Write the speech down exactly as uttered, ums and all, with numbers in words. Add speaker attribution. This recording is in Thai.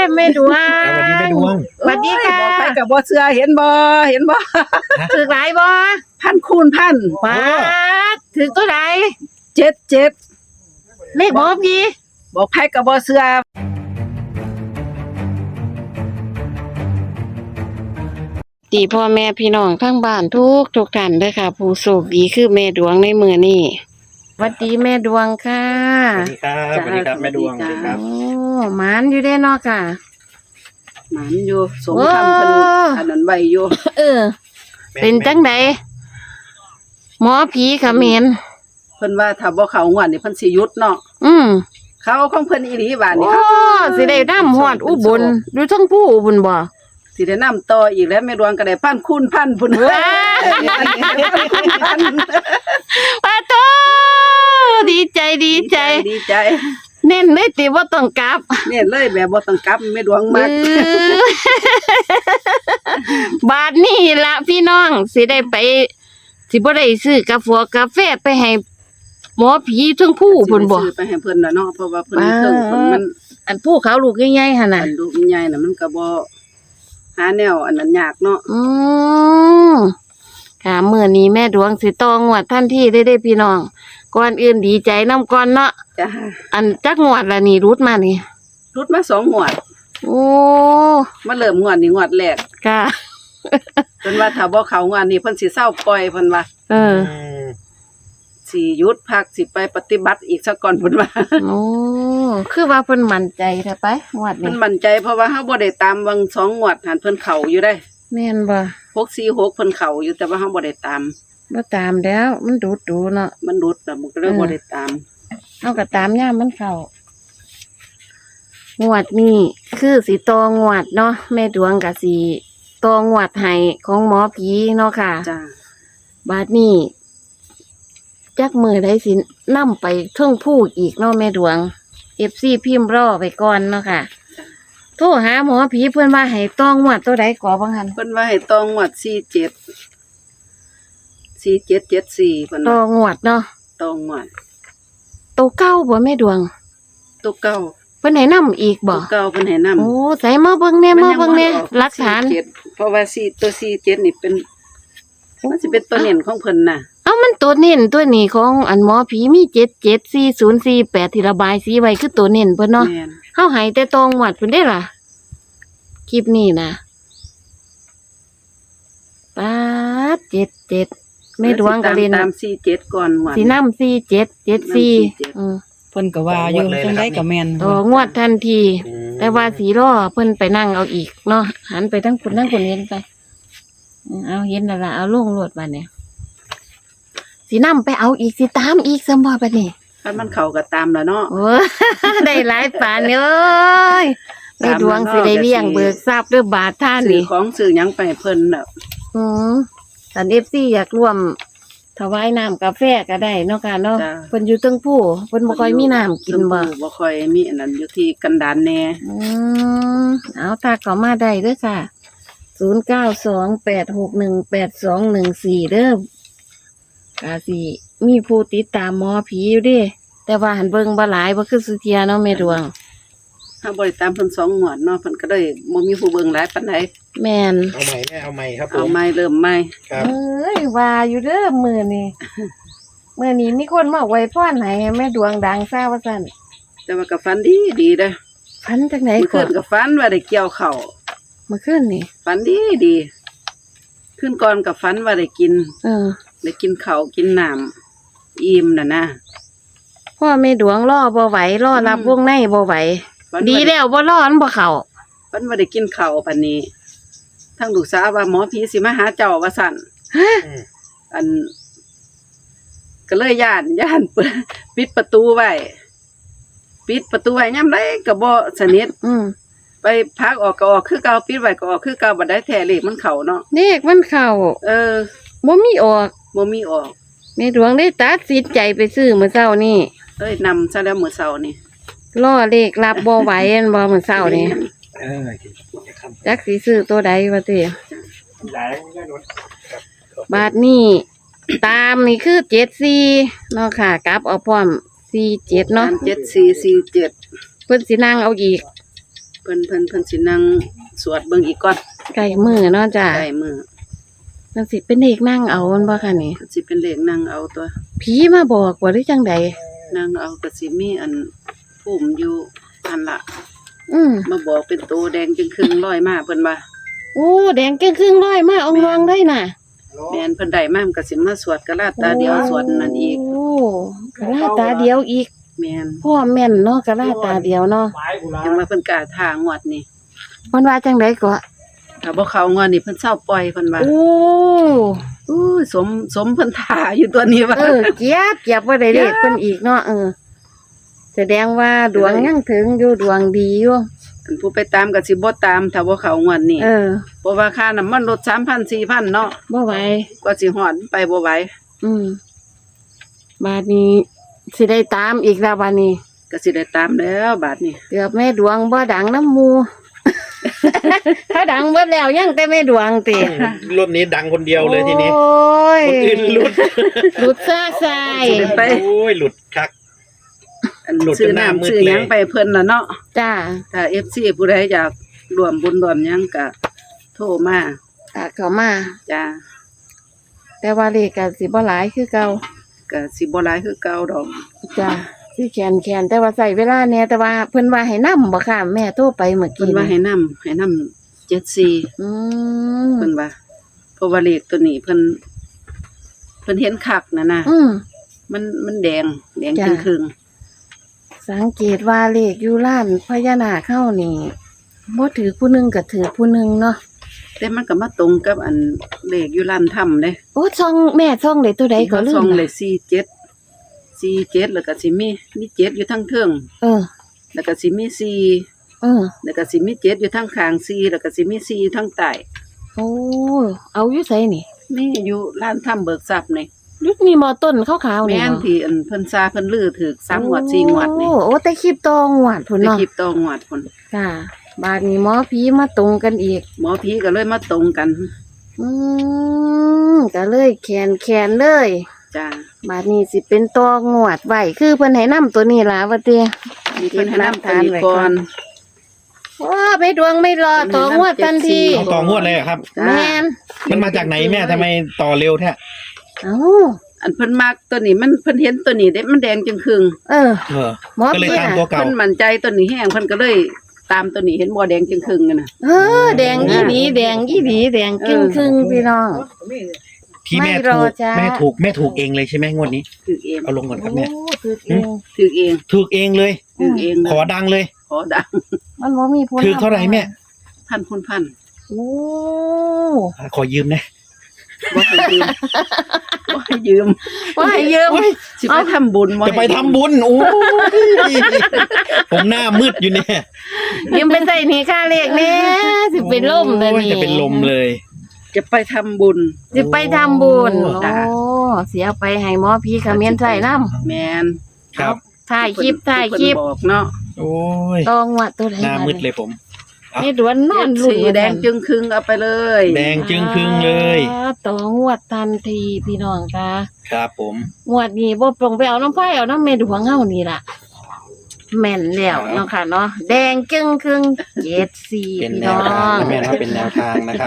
Speaker 1: แม่ดวง
Speaker 2: สวัสดีแม่ดวง
Speaker 1: สวัสดีค่ะ
Speaker 3: บอกไปกับบ่เชื่อเห็นบ่เห็นบ่
Speaker 1: ถือหลายบ่
Speaker 3: พันคูณพัน
Speaker 1: ป้าดถือตัวใด
Speaker 3: เจ็ดเจ็ด
Speaker 1: เลขหมอพี่
Speaker 3: บอกไปกับบ่เชื่อ
Speaker 1: ตีพ่อแม่พี่น้องทั้งบ้านทุกทุกท่านเด้อค่ะ ผู้โชคดีคือแม่ดวงในมื้อนี้สวัสดีแม่ดวงค่ะ
Speaker 2: สวัสดีครับสวัสดีครับแม่ดวงสวัสดีครับ
Speaker 1: โอ้หมานอยู่เด้เนาะค่ะ
Speaker 3: หมันอยู่สมคำเพิ่น
Speaker 1: โอ้
Speaker 3: อันนั้นไว้อยู่
Speaker 1: เออ เป็นจังไดหมอผีเขมร
Speaker 3: เพิ่นว่าถ้าบ่เข้างวดนี่เพิ่นสิหยุดเนาะ
Speaker 1: อืม
Speaker 3: เขาของเพิ่นอีหลีบาด
Speaker 1: โอ้
Speaker 3: นี้
Speaker 1: สิได้นำฮอดอุบลอยู่ทั้งผู้อุบลบ่
Speaker 3: สิได้นํต่ออีกแล้วแม่ดวงก็ได้พันคูณพันพุ่น
Speaker 1: ว้า ปาโตดีใจดีใจ
Speaker 3: ดีใจ
Speaker 1: เน้นเลยติว่าต้องกลับ
Speaker 3: เนี่ยเลยแบบบ่ต้องกลับแม่ดวงมาก
Speaker 1: มือบาทนี่ละพี่น้องสิได้ไป สิบ่ได้ซื้อกาแฟกาแฟไปให้หมอผีทั้งผู้เพิ่นบ่
Speaker 3: สิไปให้เพิ่นน่ะเนาะเพราะว่าเพิ่น
Speaker 1: ว้า
Speaker 3: เครื่องเพิ่นมัน
Speaker 1: อันผู้เขาลูกใหญ่ๆหั่น
Speaker 3: อั
Speaker 1: น่ะ
Speaker 3: นลูกใหญ่น่ะมันก็บ่หาแนวอันนั้นยากเนาะ
Speaker 1: อืมค่ะมื้อนี้แม่ดวงสิตองวดทันทีได้เด้พี่น้องก่อนอื่นดีใจนํก่อนเนาะ
Speaker 3: จ้ะ
Speaker 1: อันจักงวดละนี่รุดมานี่
Speaker 3: รุดมาสองงวด
Speaker 1: โอ้
Speaker 3: มาเริ่มงวดนี้งวดแรก
Speaker 1: ค่ะ
Speaker 3: เพิ่นว่าถ้าบ่เข้างวดนี้เพิ่นสิเซาปล่อยเพิ่นว่า
Speaker 1: เออ
Speaker 3: สิหยุดพักสิไปปฏิบัติอีกซะก่อนเพิ่นว่า
Speaker 1: โอ้ คือว่าเพิ่นมั่นใจแท้ไปงวด
Speaker 3: เพิ่
Speaker 1: นี้
Speaker 3: นมั่นใจเพราะว่าเฮาบ่ได้ตามวังสองงวดหันเพิ่นเข้าอยู่ได้
Speaker 1: แม่นบ่
Speaker 3: หกสี่หกเพิ่นเข้าอยู่แต่ว่าเฮาบ่ได้ตาม
Speaker 1: บ่ตามแล้ว มันดูดดูเนาะ
Speaker 3: มันหลุดน่ะมันก็เลยบ่ได้ตาม
Speaker 1: เฮาก็ตามยามมันเข้างวดนี้คือสิตองวดเนาะแม่ดวงก็สิตองวดให้ของหมอผีเนาะค่ะ
Speaker 3: จ้า
Speaker 1: บาดนี้จักมือได้สินำไปเทิงผู้อีกเนาะแม่ดวง เอฟ ซี พิมพ์รอไปก่อนเนาะค่ะ โทรหาหมอผีเพิ่นว่าให้ตองวดตัวใดก่อบังหัน
Speaker 3: เพิ่นว่าให้ตองงวดสี่เจ็ด สี่เจ็ดเจ็ดสี่เพิ่น
Speaker 1: ตอ
Speaker 3: ว่าง
Speaker 1: วดเนาะ
Speaker 3: ตองงวด
Speaker 1: ตัวเก้าบ่แม่ดวง
Speaker 3: ตัวเก่า
Speaker 1: เพิ่นให้นำอีกบ่
Speaker 3: ตัวเก่าเพิ่นให้นำ
Speaker 1: โอ้ใส่มาเบิ่งแน่มาเบิ่งแน่หลักฐาน
Speaker 3: สี่เจ็ดเพราะว่าสี่ตัวสี่เจ็ดนี่เป็นมันสิเป็นตัวเน้นของเพิ่นน่ะ
Speaker 1: เอ้ามันตัวเน้นตัวนี้ของอันหมอผีมีเจ็ด เจ็ด สี่ ศูนย์ สี่ แปดที่ระบายสีไว้คือตัวเน้นเพิ่นเนาะ
Speaker 3: แม่น
Speaker 1: เฮาให้แต่ตองวดเพิ่นได้ล่ะ คลิปนี้นะป๊าดเจ็ด เจ็ดแม่ดวงก็เล่น
Speaker 3: ตามสี่เจ็ดก่อนงวด
Speaker 1: สินำสี่ เจ็ด เจ็ด สี่อือ
Speaker 4: เพิ่นก็ว่าอยู่จังได๋ก็แม่น
Speaker 1: ต่องวดทันที แต่ว่าสีรอเพิ่นไปนั่งเอาอีกเนาะหันไปทั้งคนทั้งคนเห็นไปอืมเอาเห็นแล้วล่ะเอาลงรวดมาเนี่ยสีน้ำไปเอาอีกสิตามอีกสมบ่บัดนี้
Speaker 3: คันมันเข้าก็ตามแล้วเนาะ
Speaker 1: โอ้ ได้หลายปานเอ้ยในดวงสิได้เลี้ยงเบิกทรัพย์ด้วยบาทท่าน
Speaker 3: ซื้อ
Speaker 1: นี่
Speaker 3: ของซื้อหยังไปให้เพิ่นน่ะ
Speaker 1: อืมสัน เอฟ ซี อยากร่วมถวายน้ำกาแฟก็ได้เนาะค่ะเนาะเพิ่นอยู่เทั้งผู้เพิ่นบ่ค่อยมีน้ำกินบ่
Speaker 3: ชมพู่บ่ค่อยมีอันนั้นอยู่ที่กันดารแน่
Speaker 1: อืมเอาถ้าเข้ามาได้เด้อค่ะศูนย์เก้าสองแปดหกหนึ่งแปดสองหนึ่งสี่เด้อกาสิมีผู้ติดตามหมอผีอยู่เด้แต่ว่าหันเบิ่งบ่หลายบ่คือสุเทียเนาะแม่ดวง
Speaker 3: ถ้าบ่ได้ตามเพิ่นสองงวดเนาะเพิ่นก็เลยบ่มีผู้เบิ่งหลายปานใด
Speaker 1: แม่น
Speaker 2: เอาใหม่แม่เอาใหม่ครับผ
Speaker 3: เอา
Speaker 2: ม
Speaker 3: ใหม่เริ่มใหม่
Speaker 2: ครับ
Speaker 1: เอ้ยว่าอยู่เด้อมื้อนี้ มื้อนี้มีคนมาอวยพรให้แม่ดวงดังซะว่าซั่น
Speaker 3: แต่ว่าก็ฝันดีดีเด้อ
Speaker 1: ฝันจังได๋
Speaker 3: เมื่อ
Speaker 1: ก่
Speaker 3: คื
Speaker 1: อน
Speaker 3: นก็ฝันว่าได้เกี่ยวข้าว
Speaker 1: เมื่อคืนนี่
Speaker 3: ฝันดีดีคืนก่อนก็ฝันว่าได้กิน
Speaker 1: เออ
Speaker 3: ได้กินข้าวกินน้ำอิ่มน่ะนะ
Speaker 1: พ่อแม่ดวงรอบ่ไหวรอรับ
Speaker 3: อืม
Speaker 1: วงในบ่ไหว
Speaker 3: ฝัน
Speaker 1: ดี
Speaker 3: ว่าได้
Speaker 1: แล้วบ่รอมันบ่เข้า
Speaker 3: ฝันว่าได้กินข้าวปานนี้ทั้งลูกสาวว่าหมอผีสิมาหาเจ้าว่าซั่น
Speaker 2: อืม
Speaker 3: อัน ก็เลยย่านย่านเปิดปิดประตูไว้ปิดประตูไว้ยามใดก็บ่สนิท
Speaker 1: อืม
Speaker 3: ไปพักออกก็ออกคือเก่าปิดไว้ก็ออกคือเก่าบ่ได้แท้เลขมันเข้าเนาะ
Speaker 1: เลขมันเข้า
Speaker 3: เออ
Speaker 1: บ่มีออก
Speaker 3: บ่มีออก
Speaker 1: แม่ดวงได้ตัดสินใจไปซื้อมื้อเช้านี่
Speaker 3: เอ้ยนำซะแล้วมื้อเช้านี่
Speaker 1: รอเลขรับบ่ไหวอันบ่มื้อเช้านี่
Speaker 2: เออ
Speaker 1: จักสิซื้อตัวใดว่าติ
Speaker 2: หลายแม่นวล
Speaker 1: บาทนี้ ตามนี่คือเจ็ดสี่เนาะค่ะกลับเอาพร้อมสี่เจ็ดเนาะ
Speaker 3: เจ็ดสี่สี่เจ็ด
Speaker 1: เพิ่นสินั่งเอาอีก
Speaker 3: เพพิ่นเพิ่นเพิ่นสินั่งสวดเบิ่งอีกก่อน
Speaker 1: ไก่มือเนาะจ้ะ
Speaker 3: ได้มื้อ
Speaker 1: มันสิเป็นเด็กนั่งเอามันบ่ค่ะนี่
Speaker 3: เพิ่นสิเป็นเลขนั่งเอาตัว
Speaker 1: ผีมาบอกว่าหรือจังใด
Speaker 3: นั่งเอาก็สิมีอันภูมิอยู่อันละ
Speaker 1: อืม
Speaker 3: มาบอกเป็นโตแดงจึงครึ่งร้อยมาเพิ่นว่า
Speaker 1: โอ้แดงเก้งครึ่งร้อยมาอองรองได้น่ะ
Speaker 3: แม่นเพิ่นได้มามันก็สิมาสวดกะลาตาเดียวสวดนั่นอีก
Speaker 1: โอ้กะลาตาเดียวอีก
Speaker 3: แม่น
Speaker 1: พ่อแม่นเนาะกะลาตาเดียวเนาะ
Speaker 2: ไม้กูละ
Speaker 3: จังว่าเพิ่นกล้าทางวดนี่
Speaker 1: เพิ่นว่าจังไดก็
Speaker 3: ถ้าบ่เข้างวดนี่เพิ่นเศร้าปล่อยเพิ่นว่า
Speaker 1: โอ้
Speaker 3: อู้ยสมสมเพิ่นท่าอยู่ตัวนี้ว่า
Speaker 1: เออเกียบเกียบบ่ได้เลขเพิ่นอีกเนาะเออแสดงว่าดวงยังถึงอยู่ดวงดีอยู่
Speaker 3: อันผู้ไปตามก็สิบ่ตามถ้าบ่เข้างวดนี่
Speaker 1: เออ
Speaker 3: เพราะว่าค่าน้ำมันลด สามพัน สี่พัน เนาะ
Speaker 1: บ่ไหว
Speaker 3: กว่าสิฮอดไปบ่ไหว
Speaker 1: อืมบาดนี้สิได้ตามอีกแล้วบาดนี้
Speaker 3: ก็สิได้ตามแล้วบาดนี้
Speaker 1: เกือบแม่ดวงบ่ดังน้ำหมู ถ้าดังเบิดแล้วยังแต่แม่ดวงติ
Speaker 2: รอบนี้ดังคนเดียวเลยทีนี้
Speaker 1: โอ้ย
Speaker 2: คนอื่นหลุด
Speaker 1: หลุดซ่าใส่
Speaker 3: ไป
Speaker 2: โอ้ยหลุดคัก
Speaker 3: อัน
Speaker 2: หลุดจน
Speaker 3: ซื้อ
Speaker 2: หน้ามืด
Speaker 3: น้ำซื้อหยัง
Speaker 2: เลย
Speaker 3: ไปเพิ่นน่ะเนาะ
Speaker 1: จ้า
Speaker 3: ถ้า เอฟ ซี ผู้ใดอยากร่วมบุญร่วมหยังก็โทรมา
Speaker 1: ตาเข้ามา
Speaker 3: จ้า
Speaker 1: แต่ว่าเลขก็สิบ่หลายคือเก่า
Speaker 3: ก็สิบ่หลายคือเก่าดอก
Speaker 1: จ้าสิแขนแขนแต่ว่าใส่เวลาแหน่แต่ว่าเพิ่นว่าให้นำบ่ค่ะแม่โทรไปเมื่อ
Speaker 3: เพิ่น
Speaker 1: กี้
Speaker 3: ว่าให้นำให้นำเจ็ดสี่
Speaker 1: อืม
Speaker 3: เพิ่นว่าเพราะว่าเลขตัวนี้เพิ่นเพิ่นเห็นคักน่ะนะ
Speaker 1: อืม
Speaker 3: มันมันแดงแดง
Speaker 1: จ้ะ
Speaker 3: จึงครึ่ง
Speaker 1: สังเกตว่าเลขอยู่ร้านพญานาคเข้านี่บ่ถือผู้หนึงก็ถือผู้หนึงเนาะ
Speaker 3: แต่มันก็มาตรงกับอันเลขอยู่ร้านถ้ำเด้
Speaker 1: โอ้ช่องแม่ช่องได้ตัวใดก็ลื
Speaker 3: ซอ
Speaker 1: ม
Speaker 3: งเล
Speaker 1: ละ
Speaker 3: ขสี่เจ็ด สี่เจ็ดแล้วก็สิมีมีเจ็ดอยู่ทั้งเทิง
Speaker 1: เออ
Speaker 3: แล้วก็สิมีสี่
Speaker 1: เออ
Speaker 3: แล้วก็สิมีเจ็ดอยู่ทั้งข้างสี่แล้วก็สิมีสี่อยู่ทั้งใต้
Speaker 1: โอ้เอาอยู่ไสนี่
Speaker 3: นี่อยู่ร้านถ้ำเบิกทรัพย์นี่
Speaker 1: ยุคนี้มอต้นขาวๆนี่
Speaker 3: แม่น
Speaker 1: เนาะ
Speaker 3: ที่อันเพิ่นซาเพิ่นลือถือสามงวดสี่งวดนี่
Speaker 1: โอ้โอ้แต่คลิปตองวดพุ่น
Speaker 3: ไป
Speaker 1: เนาะ
Speaker 3: คลิปต่องวดพุ่น
Speaker 1: จ้าบาดนี้หมอผีมาตรงกันอีก
Speaker 3: หมอผีก็เลยมาตรงกัน
Speaker 1: อืมก็เลยแขนแขนเลย
Speaker 3: จ้า
Speaker 1: บาดนี้สิเป็นตองวดไว้คือเพิ่นให้นํตัวนี้ล่ะว่าติ
Speaker 3: มีเพิ่นให้นำตัวนี้ก่อน
Speaker 1: ว้าไม่ดวงไม่รอตองวดทันที
Speaker 2: เอาต่องวดเลยเหรอครับ
Speaker 3: จ้า
Speaker 1: แม่น
Speaker 2: มันมาจากไหนแม่ทำไมต่อเร็วแท้
Speaker 1: เอ้า
Speaker 3: อันเพิ่นมักตัวนี้มันเพิ่นเห็นตัวนี้เด้มันแดงจึงครึ่ง
Speaker 1: เออ
Speaker 2: เออ
Speaker 1: หมอ
Speaker 2: ก็เลย
Speaker 1: ผี
Speaker 2: ตาม
Speaker 1: น่ะ
Speaker 2: ตัวเก่า
Speaker 3: เพิ่นมั่นใจตัวนี้แห้งเพิ่นก็เลยตามตัวนี้เห็นบ่แดงจึงครึ่งกันน่ะ
Speaker 1: เออแดงอีหลีแดงอีหลีแดงครึ่งครึ่งๆพี่น้อง
Speaker 2: ที่แม่
Speaker 1: ไม่ร
Speaker 2: ถู
Speaker 1: อก จ้า
Speaker 2: แม่ถูกแม่ถูกเองเลยใช่ไหมงวดนี้
Speaker 3: ถือเอง
Speaker 2: เอาลงก่อนครับแม่
Speaker 1: โอ้คือเอง
Speaker 3: ถือเอง
Speaker 2: ถูกเองเลย
Speaker 3: ถือเอง
Speaker 2: ขอดังเลย
Speaker 3: ขอดัง
Speaker 1: มันบ่มีผู้
Speaker 2: ถูกเท่าไหร่แม่
Speaker 3: พันคุณพัน
Speaker 1: โอ้
Speaker 2: ขอยืมนะ
Speaker 3: บ่ให้ยืมบ่ให้ยืม
Speaker 1: ว่าให้ยืม
Speaker 3: สิไปทำบุญบ่
Speaker 2: จะไป
Speaker 3: ให้ยืม
Speaker 2: ทำบุญโอ้ยผมหน้ามืดอยู่เนี่ย
Speaker 1: ยืมไปใส่หนี่ค่าเลขแน่สิเป็นลมเลย
Speaker 2: โอ้ย
Speaker 1: นี่
Speaker 2: จะเป็นลมเลย
Speaker 3: จะไปทำบุญ
Speaker 1: สิไปทำบุญ
Speaker 2: โอ้
Speaker 1: โอ้เสียไปให้หมอผีเขมิ้นใส่น้ำ
Speaker 3: แม่น
Speaker 2: ครับ
Speaker 1: ถ่ายคลิปถ่ายคลิป
Speaker 3: เพิ่นบอกเนาะ
Speaker 2: โอ้ย
Speaker 1: ตองวัดตัวไหน
Speaker 2: หน้ามืดเลยผม
Speaker 1: นี่ดวนนอนลุ้น
Speaker 3: สีแดงจึงครึ่งเอาไปเลย
Speaker 2: แดงจึงครึ่งเลย
Speaker 1: อ่าตองวดทันทีพี่น้องค่ะ
Speaker 2: ครับผม
Speaker 1: งวดนี้บ่ปรงไปเอาน้ำไฟเอาน้ำเมดวงเฮานี่ล่ะ แม่นแล้วเนาะค่ะเนาะแดงจึงครึ่งเจ็ดสี่
Speaker 2: เป็น
Speaker 1: พี่
Speaker 2: แน
Speaker 1: น้
Speaker 2: ว
Speaker 1: อ
Speaker 2: ทาง
Speaker 1: ง
Speaker 2: นะแม่นะเป็นแนวทางนะครับ